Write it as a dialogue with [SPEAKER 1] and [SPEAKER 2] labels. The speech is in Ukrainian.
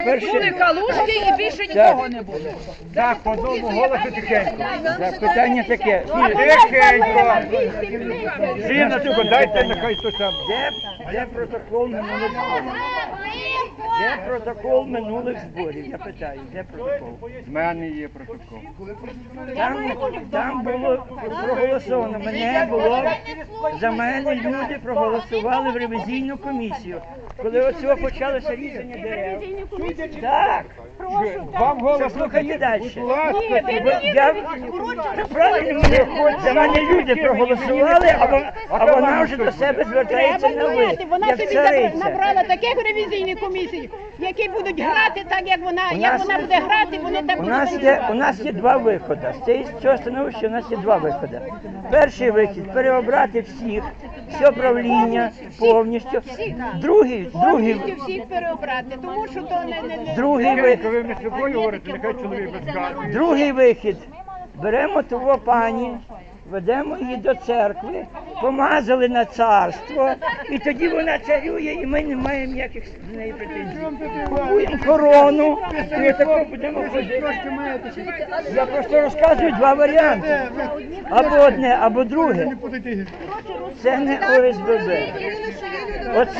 [SPEAKER 1] Були калушки і більше нікого не було.
[SPEAKER 2] Так, по одному голосу тихенько.
[SPEAKER 3] Так, питання таке.
[SPEAKER 2] Тихенько. Жіночку, дайте, нехай то сам.
[SPEAKER 3] Де протокол минулих зборів? Де протокол минулих зборів? Я питаю, де протокол?
[SPEAKER 2] В мене є протокол.
[SPEAKER 3] Там було проголосовано. Мене було, за мене люди проголосували в ревізійну комісію. Коли оцього почалося різання дерев. Так.
[SPEAKER 2] Вам голос
[SPEAKER 3] Слухайте далі.
[SPEAKER 2] будь ласка.
[SPEAKER 3] Правильно, за мене люди проголосували, а вона вже до себе звертається на ви,
[SPEAKER 4] Вона
[SPEAKER 3] як
[SPEAKER 4] собі
[SPEAKER 3] цариця.
[SPEAKER 4] набрала таких ревізійних комісій, які будуть грати так, як вона буде грати, вони так будуть.
[SPEAKER 3] У нас є два виходи. З цього становища у нас є два виходи. Перший вихід – переобрати всіх, все правління повністю. Другий
[SPEAKER 4] всіх переобрати, тому що то не...
[SPEAKER 3] Другий вихід.
[SPEAKER 2] Ви між собою говорите, нехай чоловік розказує.
[SPEAKER 3] Другий вихід. Беремо того пані, ведемо її до церкви, помазали на царство, і тоді вона царює, і ми не маємо ніяких з неї претензій. Купуємо корону, і отако будемо ходити. Я просто розказую два варіанти. Або одне, або друге. Це не ОСББ. Оце